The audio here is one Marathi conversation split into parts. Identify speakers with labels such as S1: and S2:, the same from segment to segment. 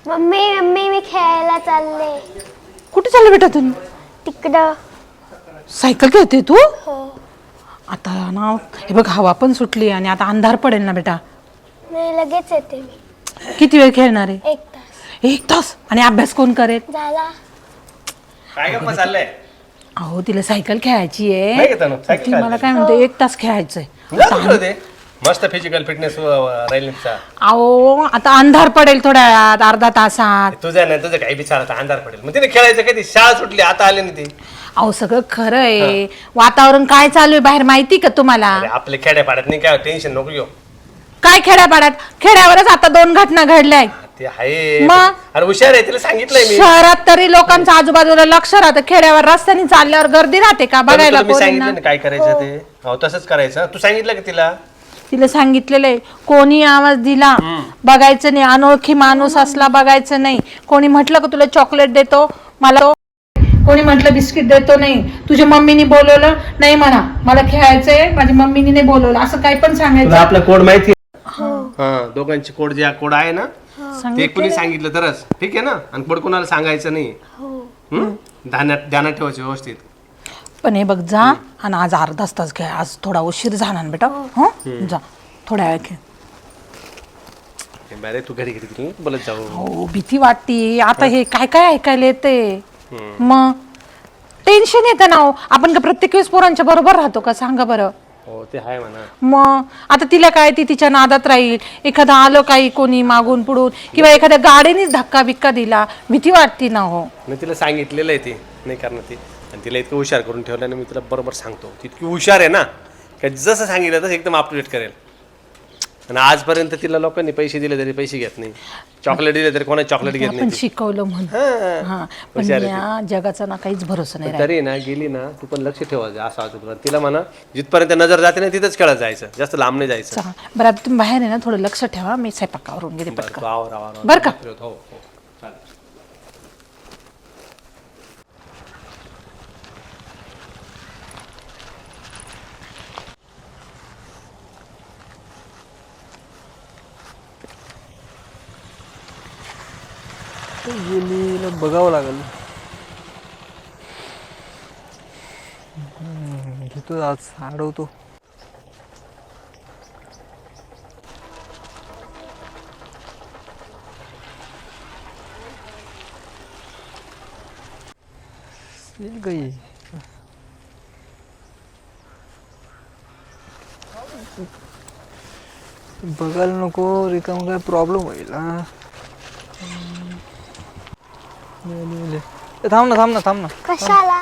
S1: मम्मी मम्मी मी खेळायला चालले.
S2: कुठे चालले बेटा तू?
S1: तिकडं.
S2: सायकल खेळते तू?
S1: हो.
S2: आता ना हे बघ हवा पण सुटली आणि आता अंधार पडेल ना बेटा.
S1: नाही लगेच येते मी.
S2: किती वेळ खेळणार आहे?
S1: 1 तास.
S2: 1 तास? आणि अभ्यास कोण करेल?
S1: झाला.
S3: काय गप्पा चाललंय?
S2: अहो तिला सायकल खेळायची
S3: नाही
S2: आहे.
S3: घेता ना, सायकल
S2: ती मला काय म्हणते 1 तास खेळायचंय.
S3: जा तिकडं ते. मस्त फिजिकल फिटनेस राहील तुमचा.
S2: अहो आता अंधार पडेल थोड्या वेळात, अर्धा तासात.
S3: तुझं नाही तुझं काही विचार आता अंधार पडेल. मग तिने खेळायचं कधी? शाळा सुटली आता आले ना ते.
S2: अहो सगळं खरं आहे. वातावरण काय चालू आहे बाहेर माहिती का तुम्हाला?
S3: अरे आपले खेड्या पाड्यात नाही काय टेन्शन नको घेऊ.
S2: काय खेड्यापाड्यात? खेड्यावरच आता 2 घटना घडल्या.
S3: ते आहे
S2: मग?
S3: अरे हुशार आहे तिला सांगितलंय मी.
S2: शहरात तरी लोकांचं आजूबाजूला लक्ष राहतं, खेड्यावर रस्त्याने चालल्यावर गर्दी राहते का बघायला
S3: मी
S2: पोरींना?
S3: सांगितलं ना काय करायचं ते. हो तसंच करायचं. तू सांगितलं का तिला?
S2: तिला सांगितलेलं आहे कोणी आवाज दिला बघायचं नाही, अनोळखी माणूस असला बघायचं नाही. कोणी म्हटलं का तुला चॉकलेट देतो मला, कोणी म्हटलं बिस्किट देतो नाही, तुझ्या मम्मीने बोलवलं नाही म्हणा मला खेळायचंय माझ्या मम्मीने नाही बोलवलं, असं काही पण सांगायचं.
S3: आपला कोड माहिती हा दोघांची कोड जे कोड आहे ना ते कोणी सांगितलं तरच ठीक आहे ना. आणि कोड कोणाला सांगायचं नाही. ध्यानात ठेवायचं व्यवस्थित.
S2: पण हे बघ जा आणि आज अर्धा तास खेळ, आज थोडा उशीर झाला ना बेटा. हो जा थोड्या वेळ खेळ.
S3: अरे तू घरी घरी बोलत जाऊ.
S2: हो भीती वाटती आता. हे काय काय ऐकायला येते, मग टेन्शन येतं ना. आपण का प्रत्येक वेळेस पोरांच्या बरोबर राहतो का सांगा बरं?
S3: हो ते आहे म्हणा.
S2: मग आता तिला काय, ती तिच्या नादात राहील. एखादं आलं काही कोणी मागून पुढून किंवा एखाद्या गाडीनेच धक्का बिक्का दिला, भीती वाटती ना. हो
S3: मी तिला सांगितलेलं आहे ते नाही करणार ते. आणि तिला इतकं हुशार करून ठेवलं ना मी तिला बरोबर सांगतो. ती इतकी हुशार आहे ना का जसं सांगितलं तसं एकदम अप टू डेट करेल. आणि आजपर्यंत तिला लोकांनी पैसे दिले तरी पैसे घेत नाही, चॉकलेट दिले तरी कोणा चॉकलेट घेत
S2: आपण
S3: नाही.
S2: शिकवलं म्हणून. हा पण या जगाचा ना काहीच भरोसा नाही राहिला.
S3: तरी ना गेली ना तू पण लक्ष ठेवायचं असं वाटतं तिला म्हणा. जिथपर्यंत नजर जाते ना तिथंच खेळत जायचं, जास्त लांब नाही जायचं.
S2: चला, बरं आता तुम्ही बाहेर आहे ना थोडं लक्ष ठेवा. मी स्वयंपाकावरून गेले
S3: बरं,
S2: पटकन
S3: तू आवर आवर
S2: बरं का?
S3: हो हो चालेल.
S4: गेली बघावं लागेल. घेतो आज अडवतो. काही बघायला नको रिकाम काय प्रॉब्लेम होईल. थांब ना थांब ना थांब ना.
S1: कशाला?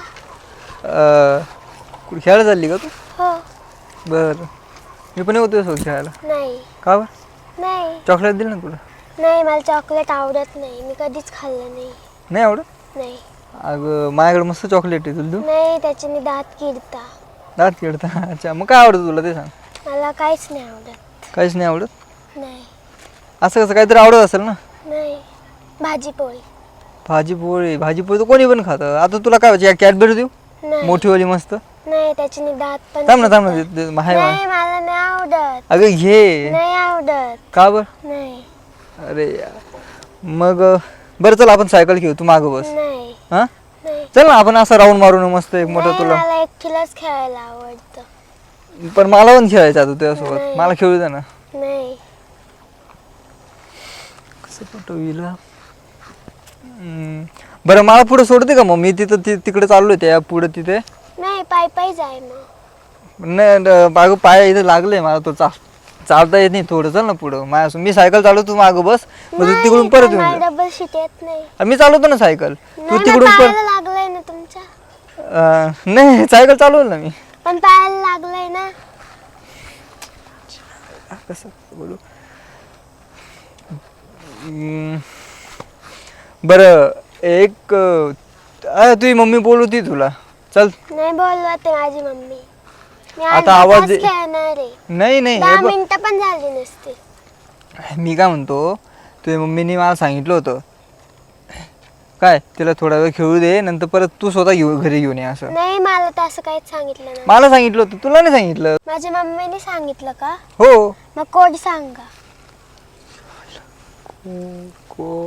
S4: कुठे खेळायला चालली का तू?
S1: हो.
S4: बरं मी पण येतो सोबत खेळायला.
S1: नाही.
S4: का बरं?
S1: नाही.
S4: चॉकलेट दिलं ना तुला?
S1: नाही मला चॉकलेट आवडत नाही, मी कधीच खाल्लं नाही.
S4: नाही आवडत?
S1: नाही.
S4: अगं माझ्याकडे मस्त चॉकलेट आहे, तुला देऊ?
S1: नाही त्याच्याने दात किडता.
S4: दात खेळता? अच्छा मग काय आवडतं तुला ते सांग.
S1: मला काहीच नाही आवडत.
S4: काहीच नाही आवडत?
S1: नाही.
S4: असं कसं काहीतरी आवडत असेल ना.
S1: नाही. भाजी पोळी.
S4: भाजी पोळी तर कोणी पण खातं. आता तुला काय पाहिजे, कॅडबरी देऊ
S1: नाही.
S4: मोठीवाली मस्त?
S1: नाही त्याच्याने दात पण
S4: थांब ना
S1: किडतात.
S4: नाही
S1: नाही मला नाही आवडत.
S4: अगं घे.
S1: नाही आवडत.
S4: का बरं?
S1: नाही.
S4: अरे यार. मग बरं चल आपण सायकल घेऊ, तू मागं बस.
S1: नाही.
S4: हा
S1: नाही.
S4: चल ना आपण असं राऊंड मारून मस्त एक मोठं
S1: नाही,
S4: तुला.
S1: मला एकटीलाच खेळायला आवडतं.
S4: पण मला पण खेळायचं आता तुझ्यासोबत.
S1: नाही.
S4: मला खेळू दे ना.
S1: नाही.
S4: कसं पटवील. बरं मला पुढे सोडते का मग? मी तिथं तिकडे चाललोय त्या पुढे तिथे.
S1: नाही पायी पायी जाय मग.
S4: नाही बागू पाय इथे लागले मला, तो चालता येत नाही. थोडं चल ना पुढं माझ्या. मी सायकल चालवतो, तू मागं बस. मग तू तिकडून परत येऊन
S1: मला
S4: जा.
S1: डबल शीट येत नाही.
S4: मी चालवतो ना सायकल, तू
S1: नाही ना,
S4: तिकडून
S1: पायाला लागलंय ना तुमच्या.
S4: नाही सायकल चालवल ना मी.
S1: पण पायाला लागलंय ना.
S4: कसं बोलू. बरं एक तुझी मम्मी बोलवती तुला. चल.
S1: नाही बोलवत आहे माझी मम्मी. मी
S4: आता आवाज दे.
S1: खेळणार आहे.
S4: नाही नाही
S1: 10 मिनिटं पण झाली नसते.
S4: मी काय म्हणतो, तुझ्या मम्मीने मला सांगितलं होतं काय तिला थोडा वेळ खेळू दे, नंतर परत तू स्वतः घरी घेऊन ये असं.
S1: नाही मला तर असं काहीच सांगितलं नाही.
S4: मला सांगितलं होतं, तुला नाही सांगितलं?
S1: माझ्या मम्मीने सांगितलं का?
S4: हो.
S1: मग कोड सांगा.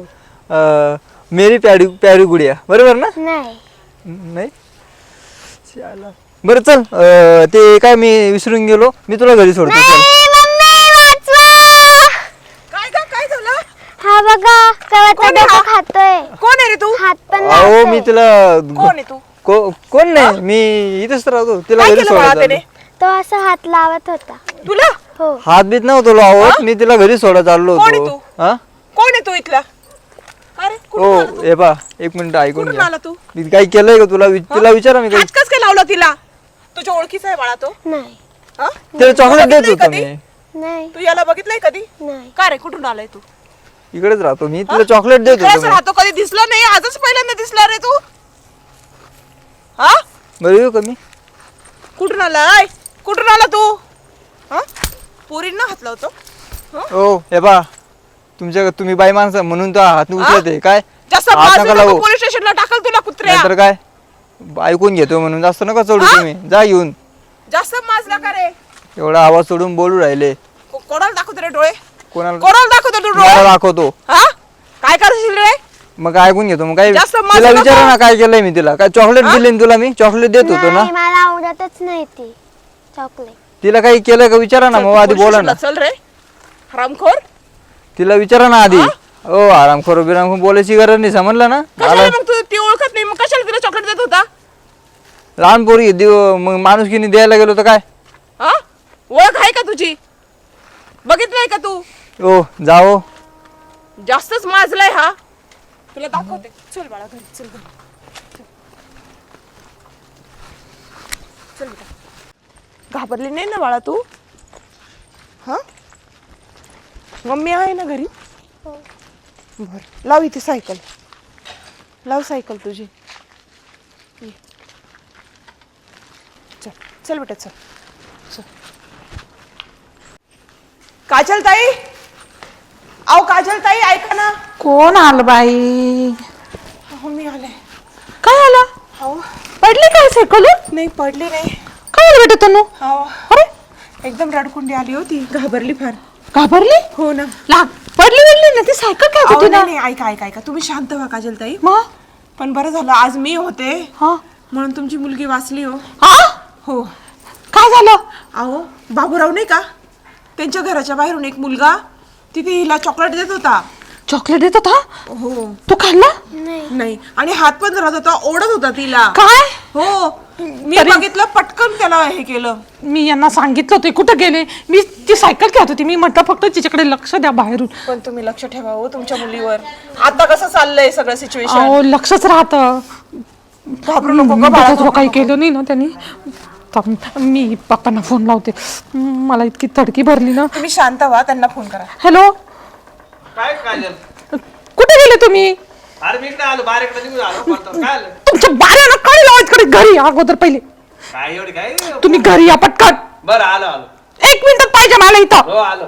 S4: मेरी प्यारी प्यारी गुडिया, बरोबर ना?
S1: नाही.
S4: नाही शाला. बरं चल, ते काय मी विसरून गेलो, मी तुला घरी सोडतो. चल.
S1: नाही, मम्मी वाचवा.
S5: काय झालं?
S1: हा बघा कवाचा डोकं खातोय.
S5: कोण आहे रे तू?
S1: हात पण
S4: अहो
S1: लावतोय.
S4: मी तिला
S5: कोण आहे तू?
S4: कोण नाही, मी इथेच राहतो, तिला
S5: काय
S4: घरी
S5: केलं बाळा
S4: सोडायला
S5: त्याने?
S1: तो असं हात लावत होता.
S5: तुला?
S1: हो.
S4: हात बीत नव्हतो लावत, मी तिला घरी सोडायला चाललो
S5: कोण आहे
S4: होतो.
S5: तू?
S4: हा
S5: कोण आहे तू इथला? अरे कुठून
S4: हो
S5: आला तू?
S4: हे पा, एक मिनिट ऐकून
S5: कुठून
S4: घ्या.
S5: आला तू?
S4: मी काही केलंय का तुला? तिला विचारा मी काही.
S5: हात कस काय लावला तिला? तुझ्या ओळखीचा आहे बाळा तो?
S1: नाही.
S5: हा?
S4: तिला चॉकलेट देत
S5: बघितलंय
S4: होतो
S5: कधी?
S4: मी.
S1: नाही.
S5: तू याला बघितलंय कधी?
S1: नाही.
S5: का रे कुठून आलाय तू?
S4: इकडेच राहतो मी, तिला चॉकलेट देत
S5: खरंच
S4: होतो मी.
S5: राहतो, कधी दिसला नाही, आजच पहिल्यांदा दिसला रे तू. हा?
S4: बरं येऊ का मी?
S5: कुठून आलाय? कुठून आला तू? हा? पोरींना हात लावतो?
S4: हो हे पा, तुम्ही बाई माणसं म्हणून तो हात उचलते काय?
S5: जास्त
S4: हात
S5: माजू
S4: नका
S5: नको,
S4: लावू.
S5: पोलीस स्टेशनला टाकल तुला कुत्र्या.
S4: नाहीतर काय ऐकून घेतो म्हणून जास्त नका सोडू
S5: हा?
S4: तुम्ही. जा येऊन,
S5: जास्त माजला का रे?
S4: एवढा आवाज सोडून बोलू राहिले.
S5: कोणाला दाखवतो रे डोळे?
S4: कोणाला?
S5: कोणाला दाखवतो तू
S4: मला
S5: डोळे?
S4: दाखवतो.
S5: हा? काय करशील रे?
S4: मग ऐकून घेतो. मग काय
S5: जास्त माजू
S4: तिला
S5: नका.
S4: विचारा ना काय केलंय मी तिला. काय चॉकलेट दिले ना तुला? मी चॉकलेट देत होतो ना.
S1: नाही, मला आवडतच नाही ती चॉकलेट.
S4: तिला काही केलंय का विचारा ना, मग आधी
S5: पोलीस
S4: बोला ना.
S5: स्टेशनला चल रे हरामखोर.
S4: तिला विचारा ना आधी. हो आरामखोर बिरामखोर बोलायची गरज नाही, समजलं ना?
S5: कशाला मग तू ती ओळखत नाही, मग कशाला तिला चॉकलेट देत होता?
S4: लहान पोरी मग माणुसकीने द्यायला गेलो तर काय?
S5: हा? ओळख आहे का तुझी? बघितलंय का तू?
S4: हो जाओ.
S5: जास्तच माजलाय हा. तुला दाखवते, चल बाळा घरी, चल घरी. चल बेटा. घाबरली नाही ना बाळा तू? हा? मम्मी आहे ना घरी? बर, लाव इथे सायकल. लाव सायकल तुझी. ये. चल चल बेटा, चल चल. काजल ताई, अहो काजल ताई ऐका ना.
S2: कोण आलं बाई?
S5: अहो मी आले.
S2: काय आलं?
S5: अहो
S2: पडली काय सायकल?
S5: नाही पडली नाही.
S2: काय आलं बेटा तनु?
S5: अहो
S2: अरे
S5: एकदम रडकुंडी आली होती, घाबरली फार.
S2: घाबरली?
S5: हो ना.
S2: पडली ना ती सायकल काय
S5: अहो,
S2: होती ना?
S5: नाही नाही, ऐका ऐका ऐका, तुम्ही शांत व्हा काजल ताई.
S2: मग
S5: पण बरं झालं आज मी होते
S2: हा
S5: म्हणून तुमची मुलगी वाचली हो.
S2: हा
S5: हो.
S2: काय झालं?
S5: अहो बाबूराव नाही का, त्यांच्या घराच्या बाहेरून एक मुलगा तिथे हिला चॉकलेट देत होता.
S2: चॉकलेट देत होता?
S5: हो.
S2: तू खाल्ला?
S5: नाही, आणि हात पण धरत होता, ओढत होता तिला.
S2: काय?
S5: हो, मी
S2: तरी-
S5: बघितलं, पटकन त्याला हे केलं.
S2: मी यांना सांगितलं होते, कुठं गेले? मी ती सायकल खेळत होती, मी म्हटलं फक्त तिच्याकडे लक्ष द्या बाहेरून.
S5: पण तुम्ही लक्ष ठेवा हो तुमच्या मुलीवर. आता कसं चाललंय सगळं सिच्युएशन.
S2: अहो लक्षच राहतं.
S5: घाबरू नको गं बाळा,
S2: त्याच्यात काही केलं नाही ना त्यांनी. थांब, मी पप्पांना फोन लावते. मला इतकी तडकी भरली ना.
S5: तुम्ही शांत व्हा, त्यांना फोन करा.
S2: हॅलो,
S3: काय काजल?
S2: कुठे गेले तुम्ही?
S3: अरे मी इकडे आलो, बाहेर निघून आलो. काय आलं?
S2: तुमच्या बाऱ्याला काय लावायचं घरी अगोदर पहिले
S3: काय एवढी काय?
S2: तुम्ही घरी या पटकन.
S3: बरं आलो आलो.
S2: 1 मिनिटात पाहिजे मला इथं.
S3: हो आलो.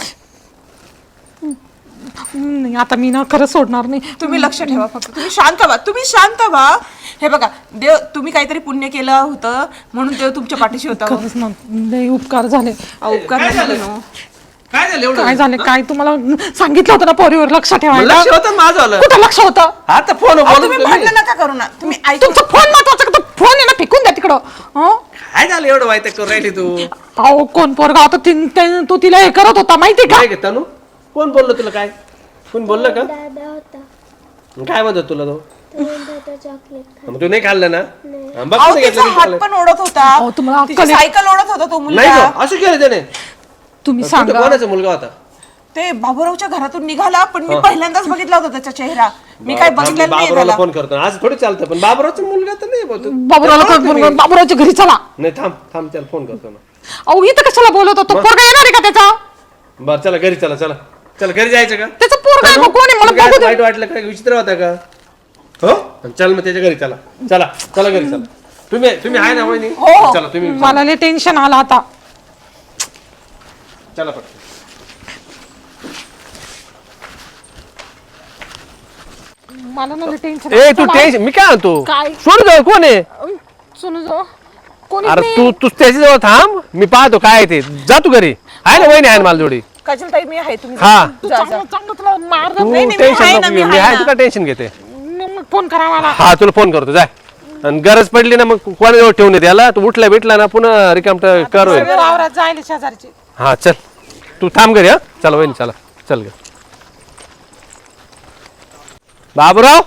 S2: नाही आता मी ना खरं सोडणार नाही.
S5: तुम्ही लक्ष ठेवा फक्त, तुम्ही शांत व्हा, तुम्ही शांत व्हा. हे बघा देव, तुम्ही काहीतरी पुण्य केलं होतं म्हणून देव तुमच्या पाठीशी होता.
S2: खरंच ना लय उपकार झाले.
S5: उपकार
S3: काय
S5: नाही
S3: झालं?
S5: झाले,
S3: काय झालं एवढं?
S2: काय झाले काय तुम्हाला सांगितलं होतं ना पोरीवर लक्ष ठेवायला.
S3: लक्ष होतं माझं आलं.
S2: कुठं लक्ष होतं?
S3: आता फोन
S5: अहो,
S3: बोलून
S5: तुम्ही भांडण नका करू ना, तुम्ही ऐकून.
S2: तुमचा फोन महत्वाचा का? तो फोन आहे ना फेकून द्या तिकडं. हं?
S3: काय झालं एवढं माहिती करून राहिली तू?
S2: अहो कोण पोरगा होता तो तिला हे करत होता माहिती का?
S3: काय घेता तू? कोण बोललो तुला? काय कोण बोललं का?
S1: दादा होता,
S3: काय म्हणतो तुला तो?
S1: तो म्हणत होता चॉकलेट खा.
S3: मग तू नाही खाल्लं ना? हा, बघ
S5: अहो,
S3: कसं
S5: तिचा
S3: घेतलं मी
S5: हात
S3: तुला.
S5: पण ओढत होता,
S2: अहो, तुम्हाला
S5: तिची
S2: अक्कल आहे?
S5: सायकल ओढत होता तो
S3: नाही
S5: मुलगा.
S3: गं, असं केलं त्याने.
S2: तुम्ही
S3: कुठं
S2: सांगा.
S3: कोणाचा मुलगा होता?
S5: ते बाबूरावच्या घरातून निघाला, पण मी पहिल्यांदाच बघितला होता त्याचा चेहरा. मी काय बघितलं नाही
S3: बाबूरावला
S5: त्याला.
S3: फोन करतो आज थोडी चालतं, पण बाबूरावचा मुलगा तर नाही बोलतो.
S2: बाबूरावच्या घरी चला.
S3: नाही थांब थांब, त्याला फोन करतो ना.
S2: अहो इथं कशाला बोलवतो? तो पोरगा येणार आहे का त्याचा?
S3: बरं चला घरी चला. चला चला घरी जायचं का?
S2: त्याचा पोरगा आहे का? कोण आहे मला
S3: तुला
S2: बघू
S3: काय
S2: दे.
S3: वाईट वाटलं काय? विचित्र होता का? हो चल मग त्याच्या घरी चला. चला चला घरी चला. तुम्ही आहे ना वहिनी?
S5: हो.
S3: चला तुम्ही
S2: मला लय टेन्शन आलं आता.
S3: चला पटकन.
S2: मला ना लय टेन्शन.
S3: ए तू टेन्शन मी काय म्हणतो?
S2: काय?
S3: सोड जाऊ. कोण आहे?
S2: सुनू जो कोणी
S3: अरे तू त्याच्या जवळ थांब, मी पाहतो काय आहे ते. जा तू घरी. आहे ना वहिनी आहे ना मला जोडी.
S5: काजल ताई मी आहे तुम्ही
S3: हा.
S5: जा, जा.
S2: चांगलं तुला मार
S3: तू
S5: नाही, मी
S3: टेन्शन
S5: आहे ना,
S3: नको
S5: मी
S3: घेऊ, मी
S5: आहे
S3: आहे
S5: ना.
S3: तुला टेन्शन घेते
S2: मग फोन करा मला.
S3: हा तुला फोन करतो जाय आणि गरज पडली ना मग कोणाजवळ ठेवून येते याला तू उठला भेटला ना पुन्हा रिकाम कर होईल.
S2: सगळे वावरात जायला शेजारचे.
S3: हा चल तू थांब घरी. हा चला वहिनी चला चल ग. बाबूराव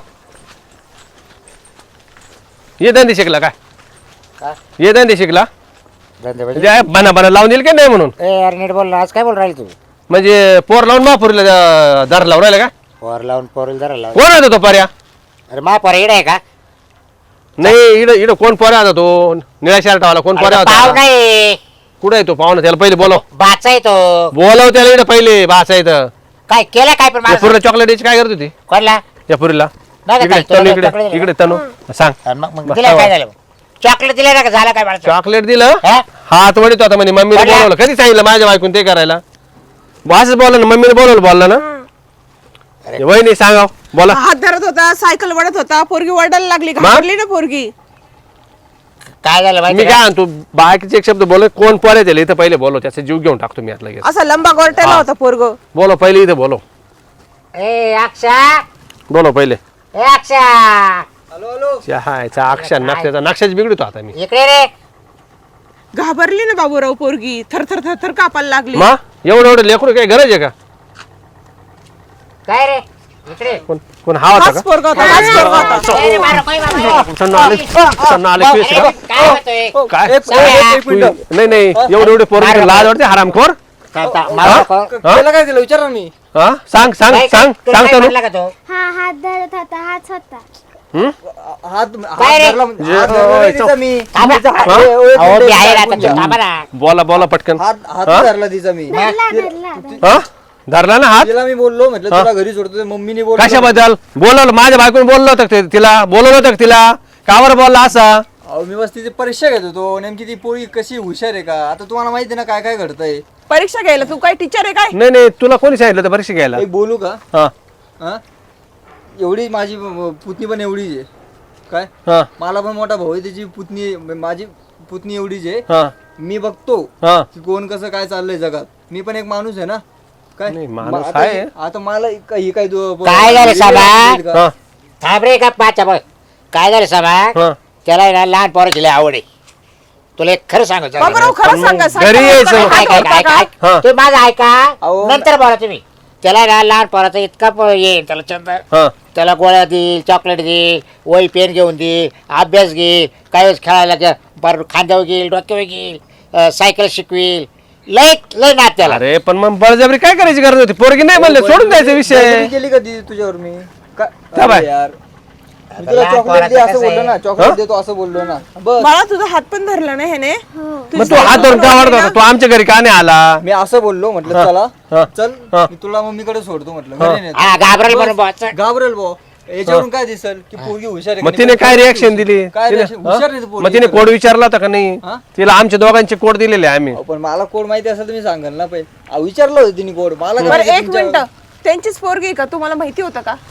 S3: ये धंदे शिकला काय ये धंदे शिकला
S6: धंदे म्हणजे?
S3: म्हणजे बना बना लावून दिल की नाही म्हणून
S6: ए यार नीट बोल ना, आज काय बोल राहील तू?
S3: म्हणजे पोर लावून महापुरीला दार लावून राहिला का
S6: पोर लावून पोरील जरा लावून.
S3: कोण होता तो पर्या
S6: अरे मा पोर इड आहे का?
S3: नाही इड इड कोण पोऱ्या होता तो निळ्या शर्ट वाला कोण पोऱ्या
S6: पाव
S3: होता
S6: नाही
S3: कुठे आहे तो पाहुणा त्याला पहिले बोलव
S6: बाचा आहे तो.
S3: बोलव त्याला इकडे पहिले बास आहे तर
S6: काय केलं काय पण
S3: या
S6: मला
S3: पुरीला चॉकलेट द्यायची काय करत होती
S6: कोणला?
S3: या पुरीला
S6: नाही का
S3: इकडे
S6: काय,
S3: तनु
S6: तुला
S3: इकडे
S6: chocolate दिलं?
S3: इकडे तनु सांग
S6: आणि मग दिलं काय झालं? चॉकलेट दिलं ना का झालं काय मला?
S3: चॉकलेट दिलं
S6: हा?
S3: हात वडीत होता म्हणे मम्मीने
S6: बोला.
S3: बोलवलं कधी सांगितलं माझ्या बायकून ते करायला असंच बोलला ना मम्मीने बोलवलं बोलला ना वहिनी सांगा बोला
S5: हात धरत होता सायकल वडत होता पोरगी वडायला लागली
S3: मा?
S5: घाबरली ना पोरगी.
S6: काय झालं
S3: मी
S6: माहिती
S3: काय
S6: का?
S3: आणतो बाकीचे एक शब्द बोल कोण पोरे त्याला इथं पहिले बोलो त्याचा जीव घेऊन टाकतो मी आता लगेच
S5: असा लंबा गोरट्याला होता पोरग.
S3: बोलो पहिले इथं बोलो
S6: ए अक्षा
S3: बोलो पहिले
S6: ए अक्षा
S4: हॅलो हॅलो
S3: चहाचा अक्षर नक्षाचा नक्षाच बिघडतो आता मी
S6: इकडे रे.
S5: घाबरली ना बाबूराव पोरगी थर थर थर थर कापायला लागली.
S3: मा एवढं एवढं लेकरू काय गरज आहे का
S6: काय रे इकडे.
S3: कोण कोण हा होता
S5: हाच
S3: का
S5: पोरगा होता हाच पोरगा होता.
S6: ए रे, मारो, काय मारो?
S3: सन्न आले सन्न आले
S6: ए,
S3: पिस का?
S6: काय होतोय?
S3: काय
S4: एक मिनिट.
S3: नाही नाही एवढे एवढे पोरं लाज वाटते हरामखोर
S6: थांब, मारू नको.
S3: हा?
S4: त्याला काय दिलं विचार ना मी.
S3: हा सांग सांग
S6: काय-
S3: सांग
S6: तुला
S3: सांग
S6: काय
S3: तनु
S6: म्हणला का तो?
S1: हा हात धरत होता हाच होता.
S4: हात
S6: काय रे?
S4: धरला म्हणजे- हात धरला नाही तिचा मी.
S6: थांबा.
S3: हा?
S6: अहो, मी आहे ना, आता थांबा ना.
S3: बोला बोला पटकन
S4: हात
S3: हा?
S4: धरला तिचा मी.
S1: धरला धरला.
S3: हा धरला ना हात
S4: तिला मी बोललो म्हटलं तुला घरी सोडतो मम्मीने बोललो.
S3: कशाबद्दल बोलवलं माझ्या बायकोने बोललो होतं का तिला बोलवलं होतं का तिला कावर बोलला असा
S4: अहो मी बस तिची परीक्षा घेत होतो नेमकी ती पोळी कशी हुशार आहे का आता तुम्हाला माहिती आहे ना काय काय घडतंय.
S5: परीक्षा घ्यायला तू काय टीचर आहे काय?
S3: नाही नाही तुला कोणी सांगितलं होतं परीक्षा घ्यायला
S4: एक बोलू का
S3: हा
S4: हा एवढी माझी पुतणी पण एवढीच आहे काय
S3: हा
S4: मला पण मोठा भाऊ आहे त्याची पुतणी माझी पुतणी एवढीच आहे.
S3: हा
S4: मी बघतो
S3: हा
S4: की कोण कसं काय चाललंय जगात मी पण एक माणूस आहे ना काय
S3: नाही, माणूस
S4: आता
S3: आहे.
S4: आता मला ही काय
S6: काय झालं साबा?
S3: हा
S6: थांब रे का पाचा बघ. काय झालं साबा?
S3: हा
S6: त्याला आहे ना लहान पोराची लय आवड आहे. तुला एक खरं सांगू
S5: बाबूराव खरं सांगा
S3: घरी यायचं.
S6: काय काय काय काय
S3: हा.
S6: तुम्ही माझं ऐका
S4: अहो,
S6: नंतर बोला तुम्ही. त्याला आहे ना लहान पोराचा इतका येईल त्याला चंद
S3: हा
S6: त्याला गोळ्या देईल चॉकलेट देईल वही पेन घेऊन देईल अभ्यास घेईल काही वेळेस खेळायला बरं खांद्यावर घेईल डोक्यावर घेईल सायकल शिकवील लय लय नात त्याला.
S3: अरे पण मग बळजबरी काय करायची गरज होती पोरगी नाही म्हणले सोडून द्यायचा विषय
S4: बळजबरी केली का ती तुझ्यावर मी
S3: त्या
S4: काय
S3: बाय.
S4: अरे यार मी तुला
S6: लहान
S4: चॉकलेट दे
S6: पोराचं
S4: असं
S6: कसं
S4: बोललो
S6: आहे?
S4: ना चॉकलेट देतो असं बोललो ना बस
S5: मला तुझा हात पण धरला नाही ह्याने.
S3: मग तू हात धरून का वाढत होता तू आमच्या घरी का नाही आला
S4: मी असं बोललो म्हटलं
S3: हा.
S4: चला चल
S3: हा.
S4: मी तुला मम्मीकडे सोडतो म्हटलं
S3: हा.
S4: घरी नेतो.
S6: हा घाबरेल म्हणून
S4: बस.
S6: बुवा.
S4: घाबरेल भाऊ याच्यावरून काय दिसल की पोरगी हुशार आहे
S3: मग
S4: का
S3: तिने
S4: नाही?
S3: काय रिॲक्शन दिली
S4: काय
S3: तिने-
S4: reaction? हुशार आहे ती
S3: हा?
S4: पोरगी.
S3: मग तिने कोड विचारला होता का नाही
S4: हा?
S3: तिला आमच्या दोघांचे कोड दिलेले आहे आम्ही
S4: अहो, पण मला कोड माहिती असेल तर मी सांगेल ना पहिले विचारलं होतं तिने कोड मला काय
S5: बरं
S4: माहिती
S5: एक
S4: तुमच्या-
S5: मिनिट त्यांचीच पोरगी आहे का तुम्हाला माहिती होतं का?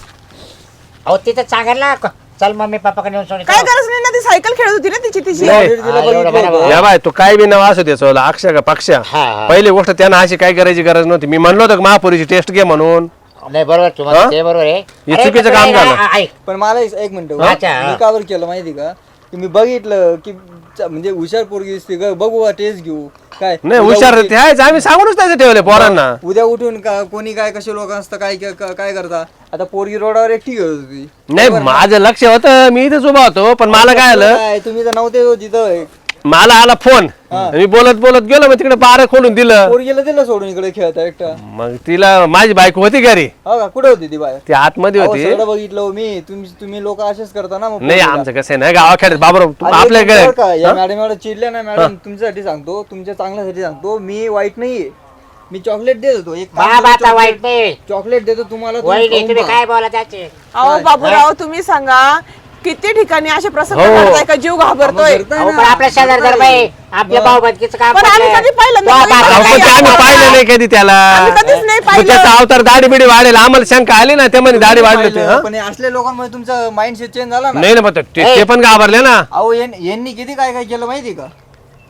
S6: अहो तिथं सांगायला चल मम्मी पप्पाकडे नेऊन सोड.
S5: काय गरज नाही ना ती सायकल खेळत होती ना तिची तिची.
S3: नाही.
S4: Already तिला
S6: हा, एवढं
S4: बघितलं
S6: बरोबर.
S4: होतं.
S3: या बाय तू काय बी नाव असू द्यायचं अक्षय का पक्षा
S6: हा, हा.
S3: पहिली गोष्ट त्यांना अशी काय करायची गरज नव्हती मी म्हणलो होतं महापुरीची टेस्ट घे म्हणून
S6: नाही बरोबर तुम्हाला
S3: हा?
S6: ते बरोबर आहे.
S3: हे
S6: अरे,
S3: चुकीचं
S6: पण
S3: काम
S6: तुला
S3: झालं.
S6: आहे ना, ऐक.
S4: पण मला एक मिनिट
S6: अच्छा.
S4: मी कावर केलं माहिती का की मी बघितलं की म्हणजे हुशार पोरगी दिसते ग बघू टेस्ट घेऊ काय
S3: नाही
S4: उद्या
S3: हुशार
S4: उठून-
S3: ते आहेच आम्ही सांगूनच त्याचे ठेवले पोरांना
S4: उद्या उठून का कोणी काय कसे लोक असतं काय काय करता आता पोरगी रोडावर एकटी घेत होती
S3: नाही माझं लक्ष होतं मी इथेच उभा होतो पण मला काय आलं
S4: काय, तुम्ही तर नव्हते हो तिथं
S3: मला आला फोन मी बोलत बोलत गेलो मग तिकडे बारा खोलून दिलं
S4: पोरगीला दिलं सोडून इकडे खेळता एकटा
S3: मग तिला माझी बायको होती घरी
S4: हो का कुठे होती ती बाहेर
S3: ती आतमध्ये
S4: अहो,
S3: होती
S4: सगळं बघितलं हो मी तुम्ही लोक असेच करता ना मग
S3: नाही
S4: पोरीला.
S3: आमचं कसं आहे ना गावाखेड्यात बाबर
S4: आणि एक
S3: आपल्याकडे
S4: मिनिट बरं का, या मॅडम एवढं चिडल्या ना मॅडम तुमच्यासाठी सांगतो तुमच्या चांगल्यासाठी सांगतो मी वाईट नाहीये मी चॉकलेट देत होतो एक
S6: बाबा आता वाईट नाही
S4: चॉकलेट देतो तुम्हाला तुम्ही
S6: वाईट नाही
S4: खाऊन
S6: तुम्ही
S4: पहा.
S6: काय बोला त्याचे.
S5: अहो बाबूराव तुम्ही सांगा किती ठिकाणी असे प्रसंग
S3: हो.
S5: घडताय का जीव घाबरतोय.
S4: घडताय
S6: अहो,
S4: ना.
S6: पण आपल्या शेजार दर बाई आपल्या भाऊ बंदकीचं काम
S5: पण आम्ही
S6: पडलंय.
S5: कधी पाहिलं
S6: तो
S5: नाही.
S6: बाबा
S3: अहो, पण ते आम्ही पाहिलं नाही कधी त्याला
S5: आम्ही कधीच नाही
S3: मग
S5: पाहिलं.
S3: त्याचा अवतार दाढी बिडी वाढेल आम्हाला शंका आली ना ते म्हणे दाढी वाढली होती
S4: पाहिलं,
S3: हा?
S4: पण हे असल्या लोकांमुळे तुमचा माइंडसेट चेंज झाला ना
S3: नाही ना मग ते पण घाबरले ना
S4: अहो यांनी किती काय काय केलं माहिती का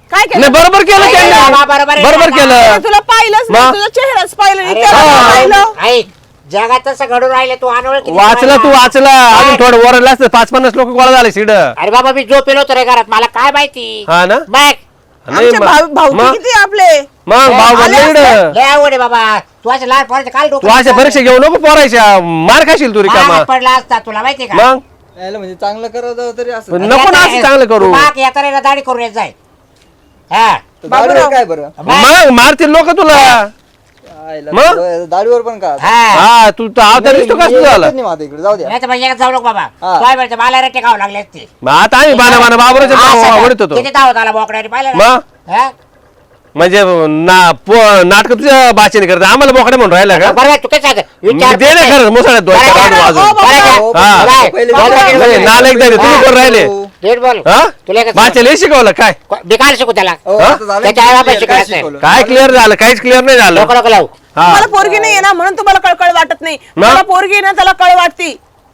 S5: काय केलं?
S3: नाही बरोबर केलं
S6: अरे
S3: त्यांनी.
S6: बाबा, बरोबर आहे.
S3: बरोबर
S5: अरे,
S3: केलं
S5: तुला पाहिलंच नाही,
S3: मग?
S5: तुझा चेहराच पाहिलं नाही,
S6: अरे
S5: त्याला
S6: बाबा,
S5: काय पाहिलं?
S6: ऐक जगात तसं घडून राहिले तू अनोळखी
S3: वाचला तू वाचला अजून थोडं वरडला असतं 5-50 लोक गोळा झाले सीड
S6: अरे बाबा मी झोपेल होतो रे घरात मला काय माहिती
S3: हा ना
S6: मग
S3: नाही
S5: आमचे भाऊ
S3: मग
S5: किती आपले
S3: भाऊ
S5: आले
S3: बनले
S5: असते.
S3: इकडं.
S6: लय आवड आहे बाबा तू असं लहान पोराचं काय
S3: तू अशा परीक्षा घेऊ नको पोरायच्या मार खाशील तू रिकामा
S6: मागात पडला असता तुला माहिती का
S3: मग
S4: यायला म्हणजे चांगलं करायचं तरी असं
S3: पण नको ना असं चांगलं करू
S6: माग येता रे दाढी करून येत जाय हा
S4: दाढीवर काय बरं
S3: मग मारतील लोक तुला
S4: आयला
S3: मग?
S4: दाढीवर पण का
S6: हा
S3: हा तू तर अवतार दिसतो का तुझा झाला
S4: नाही माझ्या इकडे जाऊ द्या
S6: नाही तर मग जाऊ नको बाबा
S4: हा.
S6: काय म्हणते मला रट्टे खावं लागले असते
S3: मग आता आम्ही बाना बाबराच्या आवडत होतो
S6: किती धावत आला बोकड्याने पाहिलं ना?
S3: मग
S6: हा?
S3: म्हणजे नाटक तुझ्या भाषेने करत आम्हाला बोकडे म्हणून राहिला का
S6: बरं तू काय सांग विचार
S3: दे ना खरं मुसळ्यात दोन चार
S6: बरं,
S3: वाजून.
S5: ओ, बाबा.
S4: हो,
S3: हा.
S6: काय?
S4: पहिले
S6: बाबा,
S4: बोला.
S6: बाबा,
S3: नाही, नालायक झाले तुम्ही कोण राहिले
S6: नीट बोल
S3: हा
S6: तुला काय
S3: भाषेला हे शिकवलं काय
S6: बेकार शिकू त्याला
S4: हो,
S3: हा?
S4: आता झालं
S6: त्याच्या
S4: की
S6: आईबापाला
S4: काय
S6: शिकवायचं नाही.
S4: शिकवलं?
S3: काय क्लिअर झालं काहीच क्लिअर नाही झालं
S6: लोक लावू
S3: हा
S5: मला पोरगी नाहीये ना म्हणून तुम्हाला कळकळ वाटत नाही
S3: मग?
S5: मला पोरगी आहे ना त्याला कळ वाटती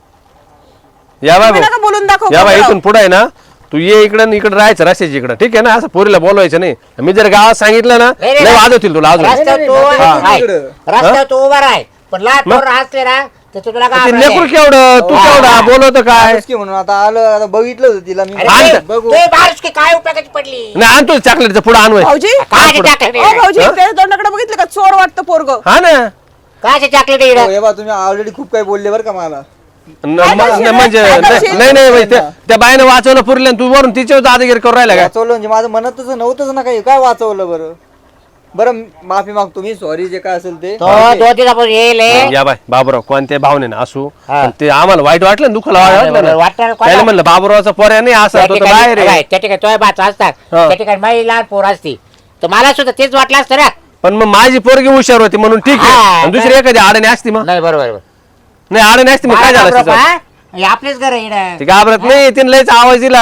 S3: या
S5: तुम्ही
S3: बाय
S5: नका बोलून दाखव
S3: या बाय
S5: बाबूराव.
S3: इथून पुढे आहे ना तू ये इकडं इकडे राहायचं रस्त्याच्या इकडं ठीक आहे ना असं पोरीला बोलवायचं नाही मी जर गावात सांगितलं ना
S6: नाही, नाही,
S3: लय
S6: नाही.
S3: वाजवतील तुला अजून
S6: रस्त्यावर
S4: नाही,
S6: तू
S4: नाही, नाही,
S6: आहे.
S4: इकडं.
S6: रस्त्यावर तू उभा राह पण लहान
S3: मग?
S6: पोरं असले ना तर तू तुला
S3: ते
S6: घाबरेल.
S3: लेकरू केवढं तू
S6: हा.
S3: केवढा बोलवतं काय
S4: आलोच की म्हणून आता आलं आता बघितलं होतं तिला मी
S6: अरे
S3: आण
S6: ते-
S3: तर.
S4: बघू
S6: ते बारीश की काय उपयोगाची पडली
S3: नाही आणतो चॉकलेटचं पुढं आणवाय
S5: भाऊजी
S6: काय
S3: पुढं.
S6: टाकलं
S5: ओ भाऊजी
S3: हा?
S5: त्या तोंडाकडे बघितलं का चोर वाटतं पोरग
S3: हा ना
S6: काय चॉकलेट
S4: हो, हे बा तुम्ही ऑलरेडी खूप काही बोलले बरं का मला
S3: म्हणजे
S5: काय करशील?
S3: नाही नाही म्हणजे त्या बाईनं वाचवलं पुरले तू वरून तिच्यावर दादागिरी करू राहिला का
S4: वाचवलं म्हणजे माझं म्हणतच नव्हतंच ना काही काय वाचवलं बरं बरं माफी मागतो मी सॉरी जे काय असेल ते
S6: तो 2 दिवसापासून येईल हे.
S3: या बाय बाबूराव कोणत्या भावने ना असू
S6: हा.
S3: पण ते आम्हाला वाईट वाटलं ना दुःखाला वाटलं
S6: वाटणार
S3: ना
S6: कोणाला?
S3: त्याला म्हणलं बाबूरावचा पोऱ्या नाही असा
S6: त्या
S3: तो तर
S6: ठिकाणी-
S3: बाहेर आहे
S6: बाय, त्या ठिकाणी तो बाच असतात
S3: हा.
S6: त्या ठिकाणी माझी लहान पोर असती तर मला सुद्धा तेच वाटलं असतं ना
S3: पण मग माझी पोरगी हुशार होती म्हणून ठीक
S6: हा,
S3: आहे आणि दुसरी एखादी आडणी असती मग
S6: नाही बरोबर बरोबर.
S3: नाही आडणी असती मग काय
S6: मला
S3: झालं
S6: घाबरत
S3: असतं
S6: हा? हे आपलेच घर आहे इकडं.
S3: ती घाबरत नाही तिने लयच आवाज दिला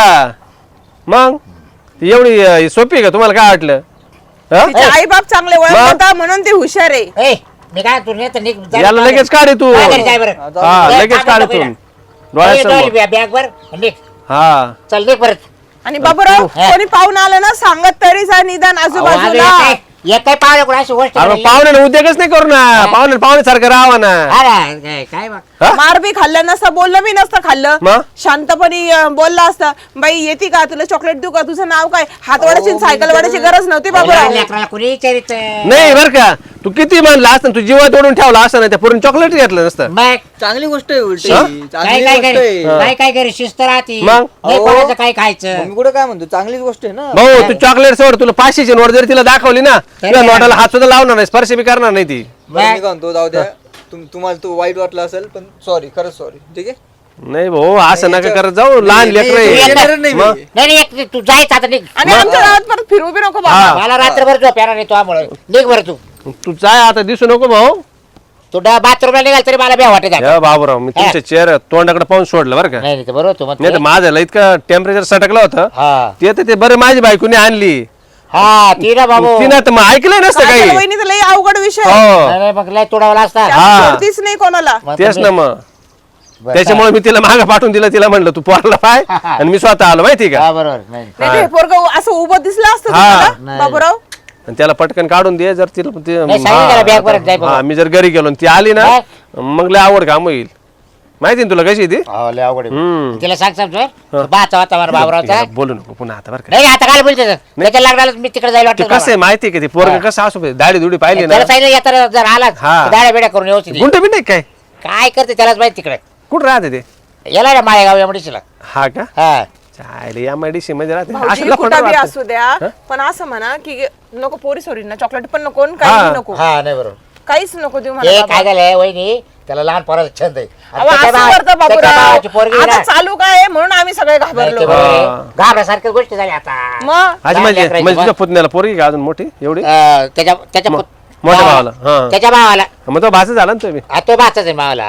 S3: मग ती एवढी सोपी आहे का तुम्हाला काय वाटलं हा?
S5: तिचे आई बाप चांगले
S3: मग?
S5: ओळखतात म्हणून ते हुशार आहे
S6: ए, मी काय तू नाही तर निघ, जा.
S3: याला लगेच काढ तू
S6: काय घरी जाय बरं.
S3: हा
S6: ए,
S3: लगेच
S6: थांब
S3: काढ
S6: नको
S3: तू
S6: इकडं.
S3: डोळ्यासमोर
S6: बॅग वर निघ
S3: हा
S6: चल निघ परत
S5: आणि बाबूराव
S6: हा.
S5: कोणी पाहून आलं ना सांगत तरी जा निदान आजूबाजूला
S6: काय पाहिलं कोण अशी गोष्ट
S3: अरे
S6: घडली?
S3: पाहुण्याला उद्योगच नाही करू ना पाहुण्यासारखं राहा ना
S6: हा ना, काय मग
S3: हा?
S5: मार बी खाल्लं नसतं बोललं बी नसतं खाल्लं
S3: मग?
S5: शांतपणे बोलला असता बाई येते का तुला चॉकलेट देऊ का तुझं नाव काय हात वाढायची सायकल वाढायची गरज नव्हती बाबूराव
S6: लेकराला कोणी विचारित
S3: नाही बर का तू किती म्हणला असतं तू जीवात ओढून ठेवला असं नाही त्या पूर्ण चॉकलेट घेतलं नसतं
S6: मग
S4: चांगली गोष्ट आहे उलटी
S3: हा?
S6: काय
S4: चांगली
S6: काय
S4: गोष्ट
S6: घरी
S4: आहे
S6: काय काय घरी शिस्त राहते
S3: मग?
S6: नाही
S4: अहो.
S6: कोणाचं काय खायचं
S4: मी कुठं काय म्हणतो चांगलीच गोष्ट आहे ना
S3: भाऊ तू चॉकलेट सोड तुला 500ची नोट जरी तिला दाखवली ना तुला
S6: काय?
S3: नोटाला हात सुद्धा लावणार नाही स्पर्श बी करणार नाही ती
S4: बरं, मी काय म्हणतो जाऊ द्या तुम्हाला तो वाईट वाटला असेल पण सॉरी खरंच सॉरी ठीक आहे
S3: नाही भाऊ असं नका करत जाऊ लहान लेकर
S4: नाही, येणार नाही मी.
S3: मग?
S6: नाही एक तू जायचं आता निघ
S5: आणि आमच्या गावात परत फिरू बी नको बाबा
S3: हा.
S6: मला रात्रभर झोप येणार नाही तुझ्यामुळे निघ बरं
S3: तू जाय आता दिसू नको भाऊ
S6: तू बाथरूमला निघाल तरी मला भ्या वाटत
S3: या बाबूराव मी तुमच्या चेहरा तोंडाकडे पाहून सोडलं बरं का
S6: नाही नाही, ते बरोबर तू
S3: नाही तर
S6: म्हणतो
S3: माझं इतकं टेम्परेचर सटकलं होतं
S6: हा
S3: ते तर ते बरं माझी बायकोने आणली
S6: हा ती ना बाबू
S3: तिनं तर मग ऐकलंय नसतं काही
S5: काजल वहिनी लई अवघड विषय
S3: हो
S6: नाही, नाही, मग लय तुडावला असता
S3: हा.
S5: सोडतीच नाही कोणाला
S6: मग
S3: तेच
S6: तुम्ही-
S3: ना मग
S6: बरं,
S3: त्याच्यामुळे मी तिला मागं पाठवून दिलं तिला म्हणलं तू पोरला पाय आणि मी स्वतः आलो माहिती का
S6: हा बरोबर नाही
S5: नाही ते पोरग असं उभं दिसलं असतं
S3: हा.
S5: तुम्हाला
S6: नाही.
S5: बाबूराव
S3: आणि त्याला पटकन काढून दे जर तिला
S6: नाही, सांगितलं त्याला bag भरत जाय बाबा.
S3: मी जर घरी गेलो आणि ती आली ना मग लय आवड काम होईल माहिती ना तुला कशी आहे ती
S6: हो, लय अवघड आहे.
S3: हम्म.
S6: तिला सांग समजून बाचा होता मला बाबरावचा
S3: तिला बोलू नको पुन्हा आता बरं का
S6: नाही आता काय बोलते त्याच्या लागला मी तिकडे जायला
S3: ते
S6: वाटतं
S3: कसं आहे माहिती आहे का ते पोरग कसं असू दे, दाढी दुडी पाहिली ना
S6: त्याला सांगितलं येताना जर आलाच
S3: हा.
S6: दाड्या बेड्या करून व्यवस्थित ये.
S3: गुंट बिंट काय
S6: काय करते त्यालाच माहिती तिकडे
S3: कुठं राहते ते
S6: याला ना माळेगाव या मुडीशीला
S3: हा का
S6: हा
S3: चालेल या मेडिसी मध्ये राहते
S5: भाऊजी
S3: असलं खोटं
S5: कुठं बी
S3: वाटतं.
S5: असू द्या पण असं म्हणा की नको पोरी सोरींना चॉकलेट पण नको आणि काही
S3: हा.
S5: नको
S6: हा नाही बरोबर
S5: काहीच नको देऊ
S6: हे
S5: मला बाबा.
S6: काय झालंय वहिनी त्याला लहान पोराचा छंद आहे आणि
S5: अहो,
S6: त्याच्या
S5: असं
S6: भावा-
S5: करतं
S6: त्याच्या भावाची
S5: बाबूराव
S6: पोरगी
S5: आता
S6: ना.
S5: चालू काय आहे म्हणून आम्ही सगळे
S6: नाही, ते
S5: घाबरलो
S6: बरोबर आहे.
S3: हा.
S6: घाबरल्यासारख्या गोष्टी झाल्या आता
S5: मग
S3: आज
S6: लहान
S3: म्हणजे
S6: लेकराची
S3: म्हणजे
S6: बा-
S3: तुझ्या पुतण्याला पोरगी का अजून मोठी एवढी
S6: त्याच्या त्याच्या
S3: मो-
S6: पुत-
S3: मोठ्या भावाला हा
S6: त्याच्या भावाला
S3: मग तो भाषा झाला ना तुम्ही
S6: हा, तो बाचाच आहे मावाला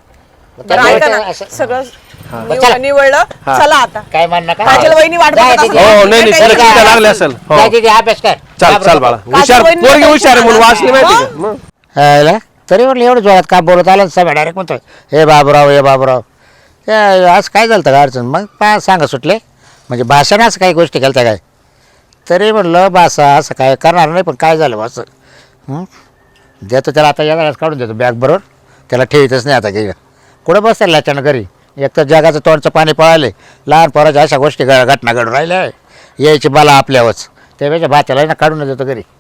S6: मग
S5: बरं,
S6: त्याच्या
S5: ऐका ना
S6: वेळेस असं-
S5: सगळं
S6: चला.
S5: निवडलं चला आता
S6: काय म्हणणं का
S5: काजल वहिनी वाट
S6: जाय
S5: बघत
S6: दीदी.
S5: असेल.
S3: हो नाही नाही
S5: काही
S3: तिला
S5: काही
S3: तिला
S5: काय
S3: लागले असेल हो
S6: जाय दीदी, अभ्यास कर
S3: चाल
S6: घाबरू
S3: चाल
S6: नको.
S3: बाळा हुशार
S5: वहिनीला
S3: पोरगी
S5: काही
S3: हुशार आहे म्हणून
S5: शिकवलं
S3: वाचली माहिती
S5: नाही.
S3: का मग
S6: हायला? तरी म्हटलं एवढं जोरात का बोलत आलं सगळं डायरेक्ट म्हणतो हे बाबूराव हे बाबूराव आज काय झालं का अडचण मग सांगा सुटले म्हणजे भाषण असं काही गोष्टी केल्या काय तरी म्हणलं बस असं काय करणार नाही, पण काय झालं बस देतो त्याला आता याला काढून देतो बॅग बरोबर, त्याला ठेवीतच नाही आता काही. कुठं बसताय लाच्यानं घरी, एक तर जगाचं तोंडचं पाणी पळाले, लहान पोराच्या अशा गोष्टी घटना घडून राहिल्या, यायची बाला आपल्यावरच, त्यापेक्षा भात्याला ना काढून देतो घरी.